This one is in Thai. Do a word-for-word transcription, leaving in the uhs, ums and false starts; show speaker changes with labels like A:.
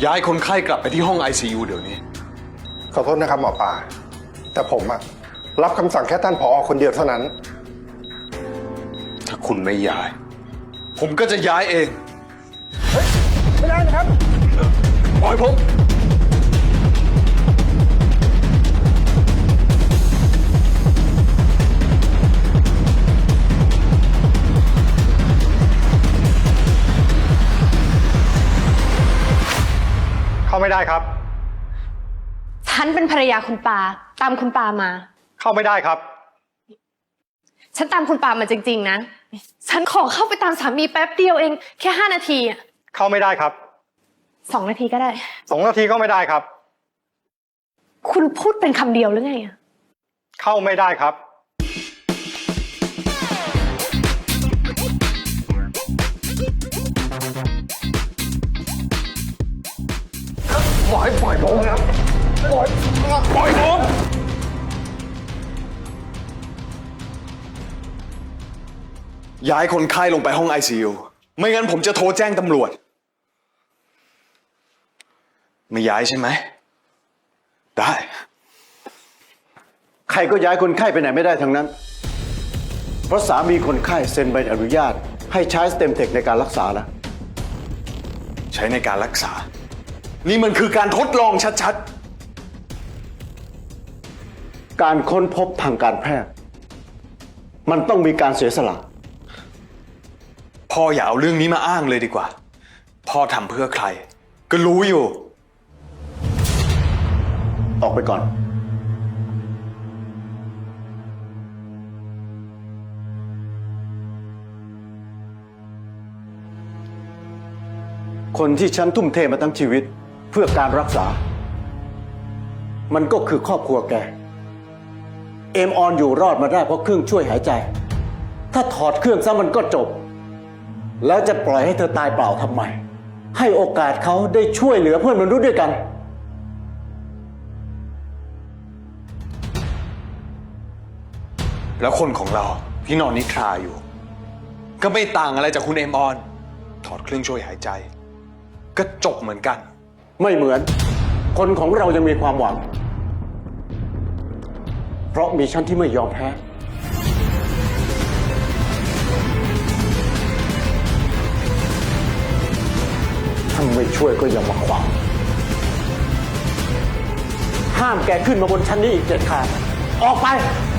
A: ย้ายคนไข้กลับไปที่ห้อง ไอ ซี ยู เดี๋ยวนี้
B: ขอโทษนะครับหมอปลาแต่ผมอะรับคำสั่งแค่ท่านผอคนเดียวเท่านั้น
A: ถ้าคุณไม่ย้าย ผมก็จะย้ายเอง
B: เฮ้ยไม่ได้นะครับ
A: ปล่อยผม
B: เข้าไม่ได้ครับ
C: ฉันเป็นภรรยาคุณปาตามคุณปามา
B: เข้าไม่ได้ครับ
C: ฉันตามคุณปามาจริงๆนะฉันขอเข้าไปตามสามีแป๊บเดียวเองแค่ห้านาทีอะ
B: เข้าไม่ได้ครับ
C: สองนาทีก็ได้
B: สองนาทีก็ไม่ได้ครับ
C: คุณพูดเป็นคำเดียวหรือไงอะ
B: เข้าไม่ได้ครับปล่อยปล่อยผมครับปล่อยปล่อยผม
A: ย้ายคนไข้ลงไปห้อง ไอ ซี ยู ไม่งั้นผมจะโทรแจ้งตำรวจไม่ย้ายใช่ไหมได้
D: ใครก็ย้ายคนไข้ไปไหนไม่ได้ทั้งนั้นเพราะสามีคนไข้เซ็นใบอนุญาตให้ใช้สเต็มเทคในการรักษาแล้ว
A: ใช้ในการรักษานี่มันคือการทดลองชัด
D: ๆการค้นพบทางการแพทย์มันต้องมีการเสียสละ
A: พ่ออย่าเอาเรื่องนี้มาอ้างเลยดีกว่าพ่อทำเพื่อใครก็รู้อยู่
D: ออกไปก่อนคนที่ฉันทุ่มเทมาทั้งชีวิตเพื่อการรักษามันก็คือครอบครัวแกเอมออนอยู่รอดมาได้เพราะเครื่องช่วยหายใจถ้าถอดเครื่องซะมันก็จบแล้วจะปล่อยให้เธอตายเปล่าทำไมให้โอกาสเขาได้ช่วยเหลือเพื่อนมนุษย์ด้วยกัน
A: แล้วคนของเราที่นอนนิทราอยู่ก็ไม่ต่างอะไรจากคุณเอมออนถอดเครื่องช่วยหายใจก็จบเหมือนกัน
D: ไม่เหมือนคนของเรายังมีความหวังเพราะมีฉันที่ไม่ยอมแพ้ถ้าไม่ช่วยก็อย่ามาขวางห้ามแกขึ้นมาบนชั้นนี้อีกเด็ดขาดออกไป